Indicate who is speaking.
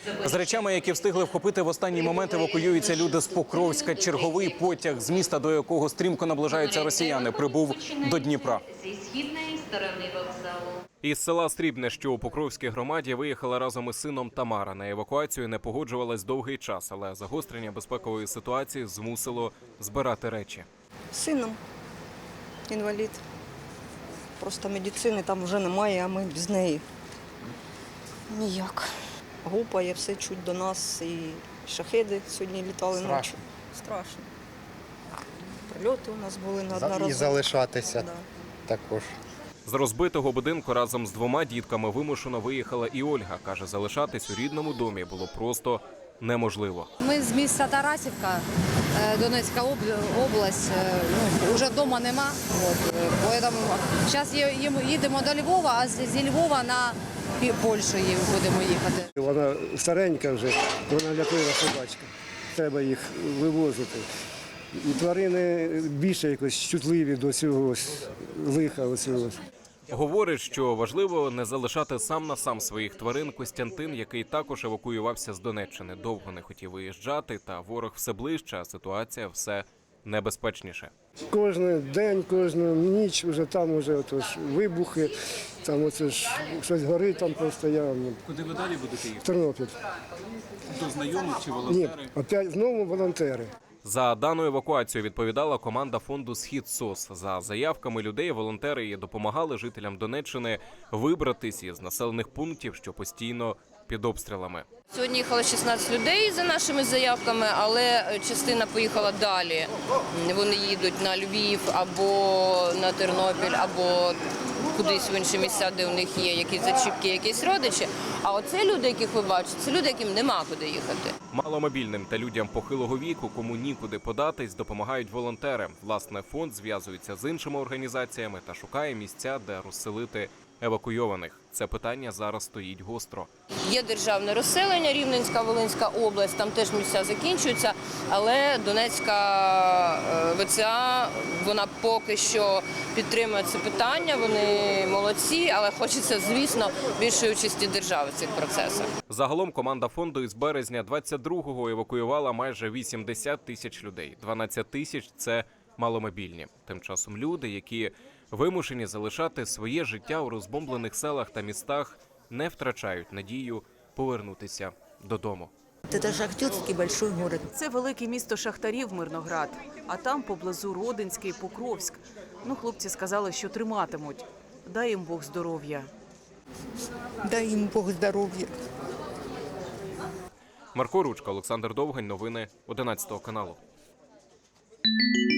Speaker 1: З речами, які встигли вхопити в останній момент, евакуюються люди з Покровська. Черговий потяг з міста, до якого стрімко наближаються росіяни, прибув до Дніпра. Із села Срібне, що у Покровській громаді, виїхала разом із сином Тамара. На евакуацію не погоджувалась довгий час, але загострення безпекової ситуації змусило збирати речі.
Speaker 2: З сином, інвалід. Просто медицини там вже немає, а ми без неї ніяк. Гупає, все чуть до нас, і шахеди сьогодні літали ночі. Страшно. Прильоти у нас були неодноразово.
Speaker 3: І залишатися також.
Speaker 1: З розбитого будинку разом з двома дітками вимушено виїхала і Ольга. Каже, залишатись у рідному домі було просто неможливо.
Speaker 4: Ми з міста Тарасівка, Донецька область, вже вдома нема. Зараз їдемо до Львова, а зі Львова на Польщу будемо їхати.
Speaker 5: Вона старенька вже, вона ляплива собачка. Треба їх вивозити. І тварини більше якось чутливі до цього лиха.
Speaker 1: Говорить, що важливо не залишати сам на сам своїх тварин. Костянтин, який також евакуювався з Донеччини, довго не хотів виїжджати, та ворог все ближче, а ситуація все небезпечніше.
Speaker 5: Кожен день, кожну ніч вже там вибухи, там щось горить там постійно.
Speaker 1: Куди ви далі будете їхати?
Speaker 5: В Тернопіль.
Speaker 1: До знайомих чи
Speaker 5: Ні,
Speaker 1: волонтери?
Speaker 5: опять знову волонтери.
Speaker 1: За дану евакуацію відповідала команда фонду «Схід СОС». За заявками людей, волонтери допомагали жителям Донеччини вибратись із населених пунктів, що постійно під обстрілами.
Speaker 6: Сьогодні їхало 16 людей за нашими заявками, але частина поїхала далі. Вони їдуть на Львів або на Тернопіль, або кудись в інші місця, де у них є якісь зачіпки, якісь родичі. А оце люди, яких ви бачите, це люди, яким нема куди їхати.
Speaker 1: Маломобільним та людям похилого віку, кому нікуди податись, допомагають волонтери. Власне, фонд зв'язується з іншими організаціями та шукає місця, де розселити евакуйованих. Це питання зараз стоїть гостро.
Speaker 6: Є державне розселення, Рівненська, Волинська область, там теж місця закінчуються, але Донецька ВЦА, вона поки що підтримує це питання, вони молодці, але хочеться, звісно, більшої участі держави в цих процесах.
Speaker 1: Загалом команда фонду із березня 22-го евакуювала майже 80 тисяч людей. 12 тисяч – це маломобільні. Тим часом люди, які вимушені залишати своє життя у розбомблених селах та містах, не втрачають надію повернутися додому.
Speaker 2: Це шахтерський великий город.
Speaker 7: Це велике місто шахтарів Мирноград, а там поблизу Родинський, Покровськ. Хлопці сказали, що триматимуть. Дай їм Бог здоров'я.
Speaker 2: Дай їм Бог здоров'я.
Speaker 1: Марко Ручка, Олександр Довгань. Новини 11 каналу.